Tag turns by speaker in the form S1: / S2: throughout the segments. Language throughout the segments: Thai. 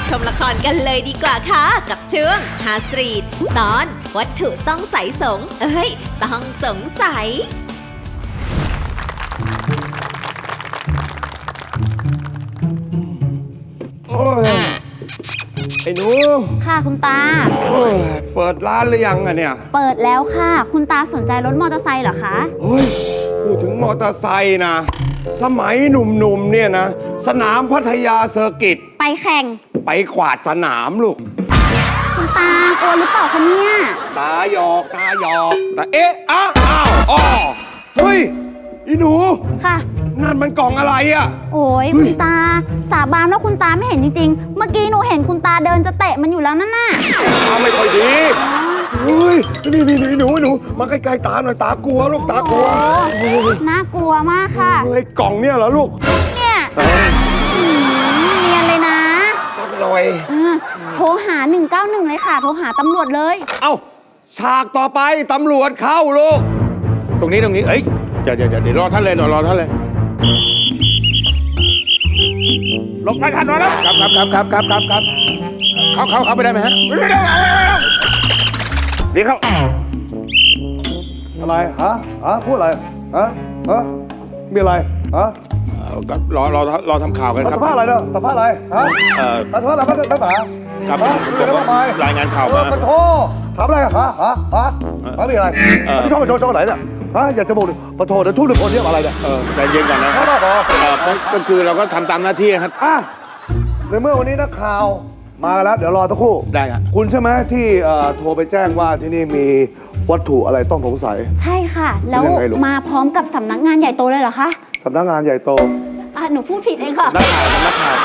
S1: ชมละครกันเลยดีกว่าค่ะกับช่วงฮาสตรีทตอนวัตถุต้องใสต้องสงสัย
S2: โอ้ยไอ้หนู
S3: ค่ะคุณตา
S2: เปิดร้านหรือยังอะเนี่ย
S3: เปิดแล้วค่ะ คุณตาสนใจรถมอเตอร์ไซค์เหรอคะ
S2: เฮ้ยพูดถึงมอเตอร์ไซค์นะสมัยหนุ่มๆเนี่ยนะสนามพัทยาเซอร์กิต
S3: ไปแข่ง
S2: ไปขวาดสนามลูก
S3: คุณตากลัวหรือเปล่าคะเนี่ย
S2: ตาหยอกแต่เอ๊ะอ้าวอ๋อเฮ้ยอีหนู
S3: ค่ะ
S2: นั่นมันกล่องอะไรอะ
S3: โอ้ย
S2: เฮ้ย
S3: คุณตาสาบานว่าคุณตาไม่เห็นจริงๆ เมื่อกี้หนูเห็นคุณตาเดินจะเตะมันอยู่แล้วนั่นน่ะ
S2: ตาไม่ค่อยดีเฮ้ยนี่หนูมาใกล้ๆตาหน่อยตากลัวลูกตากลัว
S3: โอ้น่ากลัวมากค่ะ
S2: เฮ้ยกล่องเนี่ยเหรอลูก
S3: เนี่ยเนียนเลยนะ
S2: สักหน่อย
S3: โทรหา 191 เลยค่ะ โทรหาตำรวจเลย
S2: เอ้าฉากต่อไปตำรวจเข้าลูกตรงนี้เอ้ยเดี๋ยวรอท่านเลยรอท่านเลยลงไปทันหน่อยแล้วครับเขาไปได้ไหมฮะนี่เขาอะไรฮะพูดอะไรฮะมีอะไรฮะรอทำข่าวกันครับสัมภาษณ์อะไรเนาะสัมภาษณ์อะไรฮะสัมภาษณ์อะไรนักหนาครับรายงานข่าวมาขอโทษถามอะไรฮะมีอะไรพี่ช่องไหนเนี่ยอยากจะบอกขอโทษแต่ทุกคนเรียกอะไรเนี่ยใจเย็นก่อนนะก็คือเราก็ทำตามหน้าที่ครับในเมื่อวันนี้นักข่าวมาแล้วเดี๋ยวรอสักครู่ได้ครับคุณใช่ไหมที่โทรไปแจ้งว่าที่นี่มีวัตถุอะไรต้องสงสัย
S3: ใช่ค่ะ แล้วมาพร้อมกับสำนักงานใหญ่โตเลยเหรอคะ
S2: สำนักงานใหญ่โต
S3: หนูพูดผิดเองค่ะ
S2: นักข่าว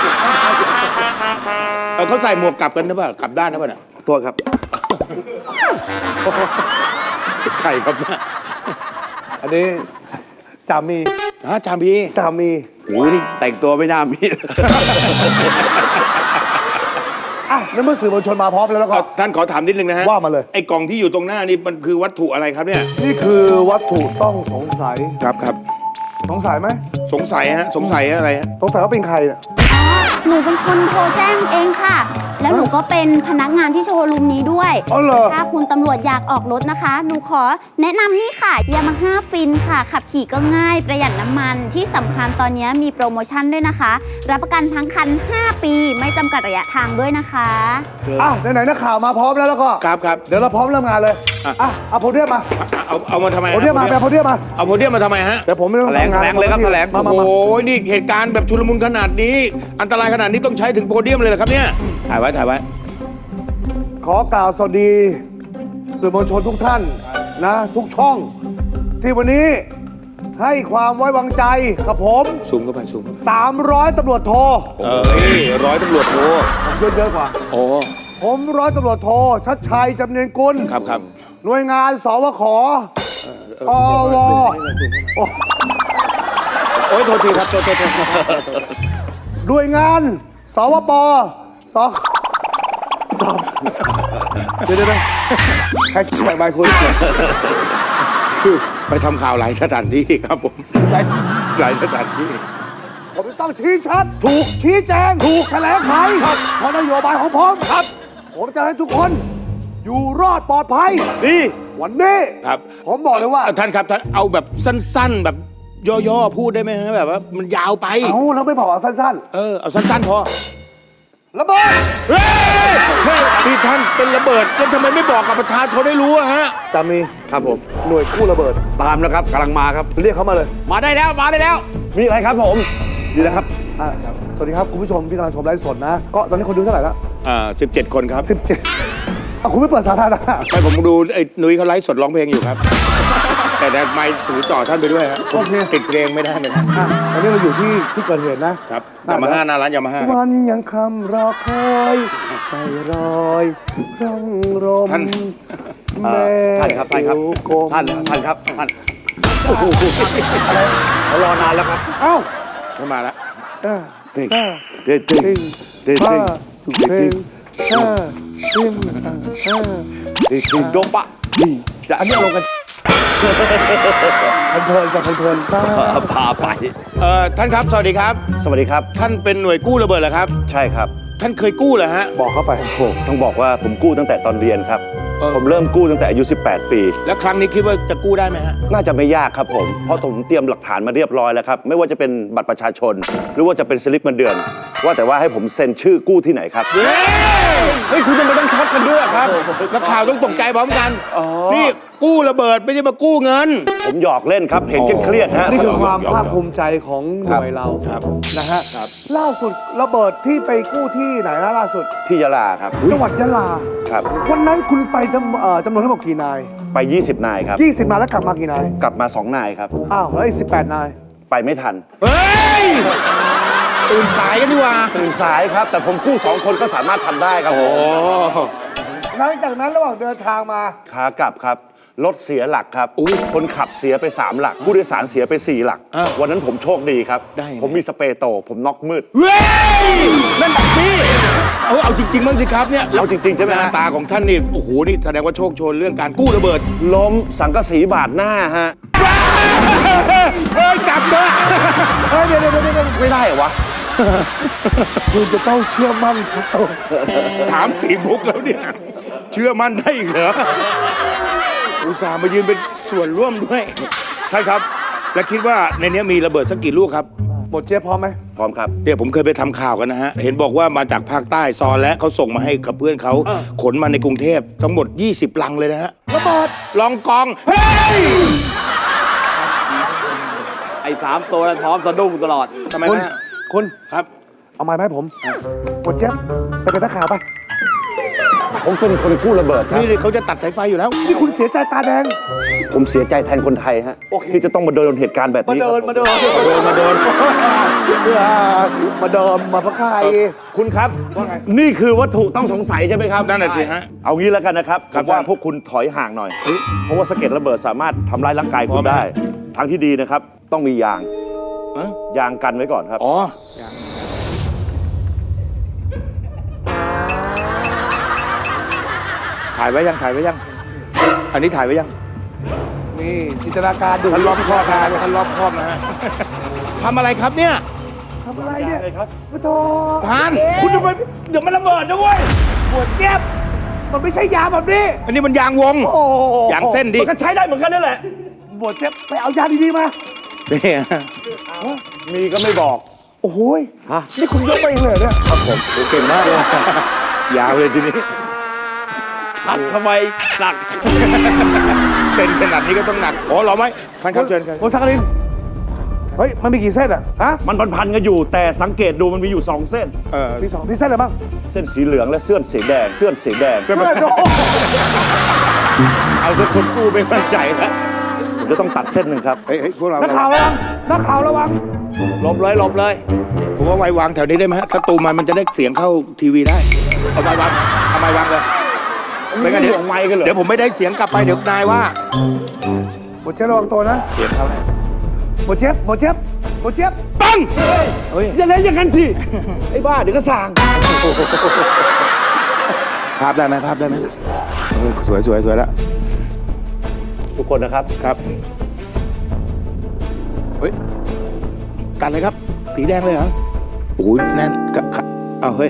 S2: เขาใส่หมวกกลับกันหรือเปล่ากลับด้านหรือเปล่าเนี่ยตัวครับไข่ครับอันนี้จามีจามี
S4: โอ้ยนี่แต่งตัวไม่น่ามี
S2: นั่นเมื่อสื่อมวลชนมาพร้อมแล้วก็ท่านขอถามนิดนึงนะฮะว่ามาเลยไอ้กล่องที่อยู่ตรงหน้านี่มันคือวัตถุอะไรครับเนี่ยนี่คือวัตถุต้องสงสัยครับสงสัยไหมสงสัยอะไรฮะสงสัยว่าเป็นใครเนี่ย
S3: หนูเป็นคนโทรแจ้งเองค่ะ แล้วหนูก็เป็นพนักงานที่โชว์รูมนี้ด้วยถ้าคุณตำรวจอยากออกรถนะคะหนูขอแนะนำนี่ค่ะ Yamaha Fin ค่ะขับขี่ก็ง่ายประหยัดน้ำมันที่สำคัญตอนนี้มีโปรโมชั่นด้วยนะคะรับประกันทั้งคัน5 ปีไม่จำกัดระยะทางด้วยนะคะ
S2: ไหนนักข่าวมาพร้อมแล้วก็ครับเดี๋ยวเราพร้อมเริ่มงานเลยเอาโพเดียมมาเอามาทำไมโพเดียมมาโพเดียมมาทำไมฮะเดี๋ยวผมไม่ต้อง
S4: แถลงเลยครับแถลง
S2: โอ้ยนี่เหตุการณ์แบบชุลมุนขนาดนี้อันตรายขนาดนี้ต้องใช้ถึงโพเดียมเลยเหรอครับเนี่ยถ่ายไว้ขอกล่าวสวัสดีสื่อมวลชนทุกท่านนะทุกช่องที่วันนี้ให้ความไว้วางใจกับผมซูมเข้าไป300 ตำรวจโท100 ตำรวจโทผมเยอะกว่าผม100 ตำรวจโทชัดชัยจำเนียนกุลครับหน่วยงานสวขอวโอ้ยโทษทีครับโทษหน่วยงานสวปเดี๋ยวใครคิดใบคุณคือไปทำข่าวหลายสถานที่ครับผมหลายสถานที่ผมต้องชี้ชัดถูกชี้แจงถูกแถลงไขครับเพราะนโยบายของผมครับผมจะให้ทุกคนอยู่รอดปลอดภัยดีวันนี้ครับผมบอกเลยว่าท่านครับท่านเอาแบบสั้นๆแบบย่อๆพูดได้ไหมฮะแบบว่ามันยาวไปแล้วไม่พอเอาสั้นๆเอาสั้นๆพอระเบิดเฮ้ยพี่ท่านเป็นระเบิดแล้วทำไมไม่บอกกับประธานเขาได้รู้อะฮะจามีครับผมหน่วยกู้ระเบิด
S4: ตามแล้วครับกำลังมาครับ
S2: เรียกเขามาเลย
S4: มาได้แล้ว
S2: มีอะไรครับผมดีแล้วครับสวัสดีครับคุณผู้ชมที่กำลังชมไลฟ์สดนะก็ตอนนี้คนดูเท่าไหร่แล้ว17 คนครับ17คุณไม่เปิดสาธารณะไม่ผมดูไอ้นุ้ยเขาไลฟ์สดร้องเพลงอยู่ครับแต่ไมค์ถือจ่อท่านไปด้วยครับติดเพลงไม่ได้เลยตอนนี้เราอยู่ที่เกิดเหตุนะครับยามาฮ่าหน้าร้านยามาฮ่าวันยังคำรอคอยใจรอยร่องรมท่าน
S4: ครับท่านเขารอนานแล้วครับ
S2: ไม่มาแล้ว
S4: เด็กโดปะ
S2: อันนี้ลงกันเพลิน
S4: พาไป
S2: ท่านครับสวัสดีครับท่านเป็นหน่วยกู้ระเบิดเหรอครับ
S4: ใช่ครับ
S2: ท่านเคยกู้เหรอฮะ
S4: บอกเข้าไป
S5: โอ้ต้องบอกว่าผมกู้ตั้งแต่ตอนเรียนครับ
S2: เออ
S5: ผมเริ่มกู้ตั้งแต่อายุ 18 ปี
S2: แล้วครั้งนี้คิดว่าจะกู้ได้ไหมฮะ
S5: น่าจะไม่ยากครับผม เพราะผมเตรียมหลักฐานมาเรียบร้อยแล้วครับ ไม่ว่าจะเป็นบัตรประชาชน หรือว่าจะเป็นสลิปเงินเดือน ว่าแต่ว่าให้ผมเซ็นชื่อกู้ที่ไหนครับ เฮ้ย คุณจะไม่ต้องช็อตกันด้วยครับ
S2: นักข่าวต้องตกใจพร้อมกัน
S5: อ๋อ
S2: นี่กู้ระเบิดไม่ใช่มากู้เงิน
S5: ผมหยอกเล่นครับ เห็นเครียดๆฮะ
S6: นี่คือความภาคภูมิใจของหน่วยเรา
S2: ครับ
S6: นะฮะล่าสุดระเบิดที่ไปกู้ที่ไหนนะล่าสุด
S5: ที่ยะลาครับ
S6: จังหวัดยะลา
S5: ครับ
S6: วันนั้นคุณไปจำนวนทั้งหมดกี่นาย
S5: ไป 20 นายครับ
S6: 20 นายแล้วกลับมากี่นาย
S5: กลับมา 2 นายครับ
S6: อ้าวแล้วอีก18 นาย
S5: ไปไม่ทัน
S2: เฮ้ย ตื่นสายกันดีกว่า
S5: ตื่นสายครับ แต่ผมกู้ 2 คนก็สามารถทำได้ครับผม
S2: โอ้
S6: หลังจากนั้นระหว่างเดินทางมา
S5: ขากลับครับ รถเสียหลักครับ คนขับเสียไป 3 หลัก ผู้โดยสารเสียไป 4 หลัก วันนั้นผมโชคดีครับ
S2: ได้ไง
S5: ผมมีสเปรย์โต ผมน็อกมืด
S2: เฮ้ย นั่นพี่เอาจริงๆบ้างสิครับเนี่ย
S5: เอาจริงๆใช่ไหม
S2: ห
S5: ฮะ
S2: น้าตาของท่านนี่ โอ้โห นี่แสดงว่าโชคโชนเรื่องการกู้ระเบิด
S5: ล้มสังกะสีบาดหน้าฮะ
S2: เฮ้ยกลับเถอะ
S6: เฮ้ยเดี๋ยว
S5: ไม่ได้เหรอวะ
S6: คุณจะต้องเชื่อมั่นเขา
S2: 3-4 มุกแล้วเนี่ย เชื่อมั่นได้อีกเหรอ อุตส่าห์มายืนเป็นส่วนร่วมด้วยใช่ครับ และคิดว่าในนี้มีระเบิดสักกี่ลูกครับ
S6: หมดเจี๊ยบพร้อมไหม
S5: พร้อมครับ
S2: เนี่ยผมเคยไปทำข่าวกันนะฮะ เห็นบอกว่ามาจากภาคใต้ซอนและเขาส่งมาให้กับเพื่อนเขาขนมาในกรุงเทพทั้งหมด 20 ลังเลยนะฮะ
S6: ระเบิด
S2: ลองกอง เฮ้ย
S4: ไอ้3 ตัวนั้นพร้อมสะดุ้งตลอด
S2: ทำไม
S6: คุณ
S2: นะ
S6: คุณ
S2: ครับ
S6: เอาไม้มาให้ผมหมดเจี๊ยบไปเป็นนักข่าวไป
S5: ผมเป็นคนกู้ระเบิดครับ
S2: นี่เขาจะตัดสายไฟอยู่แล้ว
S6: นี่คุณเสียใจตาแดง
S5: ผมเสียใจแทนคนไทยฮะที่จะต้องมาโดนเหตุการณ์แบบนี้ครับ
S6: มาเดินมาเดินมาพระใคร
S5: คุณครับ
S6: ว่าไง
S5: นี่คือวัตถุต้องสงสัยใช่ไหมครับ
S2: นั่นน่ะสิฮะ
S5: เอางี้แล้วกันนะครับ
S2: ครับ
S5: ผมว่า
S2: ท่าน
S5: พวกคุณถอยห่างหน่อย เพราะว่าสะเก็ดระเบิดสามารถทำร้ายร่างกาย
S2: พ
S5: คุ
S2: อ
S5: ณ
S2: ไหม
S5: ได้ ทางที่ดีนะครับ ต้องมียาง
S2: ฮะ
S5: ยางกันไว้ก่อนครับ
S2: อ๋อ ถ่ายไว้ยัง ถ่ายไว้ยัง อันนี้ถ่ายไว้ยัง
S6: นี่จินตนาการดู
S2: ท่านรอบครอบนะท่านรอบครอบนะฮะ ทำอะไรครับเนี่ย
S6: ทำอะไรเนี่ย
S5: เลยครับ
S6: พระโท
S2: พานคุณทำไมเดี๋ยวมันระเบิดนะเว้ย
S6: ปวดเจ็บ มันไม่ใช่ยาแบบนี้
S2: อันนี้มันยางวง
S6: โอ้
S2: ยางเส้นดิ
S5: มันก็ใช้ได้เหมือนกันนั่นแหละ
S6: ปวดเจ็บไปเอายาดีๆมา
S2: นี่
S5: มีก็ไม่บอก
S6: โอ้โหย
S5: ฮะ
S6: นี่คุณยกไปเองเลยเหรอเนี่ย
S5: ครับผมเก่งมากเลย
S2: ยาวเลยทีนี้
S4: ทัดทำไมหนัก
S2: เส้นขนาดนี้ก็ต้องหนัก อ๋อเหรอไหมท่านครับเชิญครับ
S6: โอ้สักกลิน เฮ้ย มันมีกี่เส้นอ่ะ ฮะ
S5: มันพันๆกันอยู่ แต่สังเกตดูมันมีอยู่ 2 เส้น
S6: มีสองมีเส้นอะไรบ้าง
S5: เส้นสีเหลืองและเส้นสีแดง เส้นสีแดง
S6: เส้นโอ้
S2: เอาสักคนกู้ไม่มั่นใจแล้ว
S5: ผมจะต้องตัดเส้นหนึ่งครับ
S2: เฮ้ยพวกเรา
S6: นักข่าวระวัง นักข่าวระวัง
S4: หลบเลยหลบเลย
S2: ผมว่าไว้วางแถวนี้ได้ไหมฮะถ้าตูมมันจะได้เสียงเข้าทีวีได้ เอาไม้วางเอาไม้วางเลยไม่งั้นเดี๋ยว
S5: ห่วงไมค์กันเหรอ
S2: เดี๋ยวผมไม่ได้เสียงกลับไปเดี๋ยวนายว่า
S6: หมดเจ็บระวังตัวนะ
S2: เสียงเขาแน่
S6: หมดเจ็บหมดเจ็บหมดเจ็บ
S2: ปังเฮ้ย
S5: อย่าเล่นอย่างนั้นสิไอ้บ้าเดี๋ยวก็สั่ง
S2: ภาพได้ไหมภาพได้ไหมสวยสวยสวยแล้ว
S5: ทุกคนนะครับ
S2: ครับเฮ้ยตัดเลยครับสีแดงเลยเหรอโอ้ยแน่นกะเอาเฮ้ย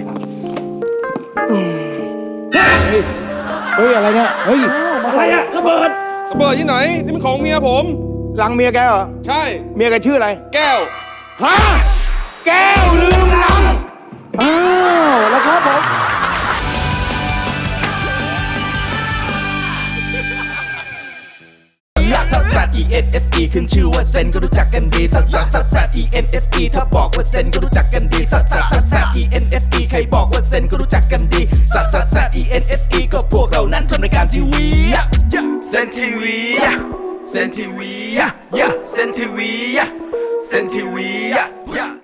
S2: เฮ้ยอะไรเนี่ยเฮ้ย
S5: อะไรอะระเบิด
S7: ระเบิดที่ไหน นี่มันของเมียผม
S2: ลังเมียแกเหรอ
S7: ใช่
S2: เมียแกชื่ออะไร
S7: แก้ว
S2: ฮะแก้วลืมลัง
S6: อ้าวแล้วครับผม
S8: ลักซัสซัส E N S E ขึ้นชื่อว่าเซนก็รู้จักกันดีซัสซัสซัสซัส E N S E ถ้าบอกว่าเซนก็รู้จักกันดีซัสซัสซัสซัส E N S E ใครบอกว่าเซนก็รู้จักกันดีซัสซัสซัส E N S E ก็พวกเรานั้นทำรายการทีวีเซนทีวีเซนทีวีเซนทีวีเซนทีวี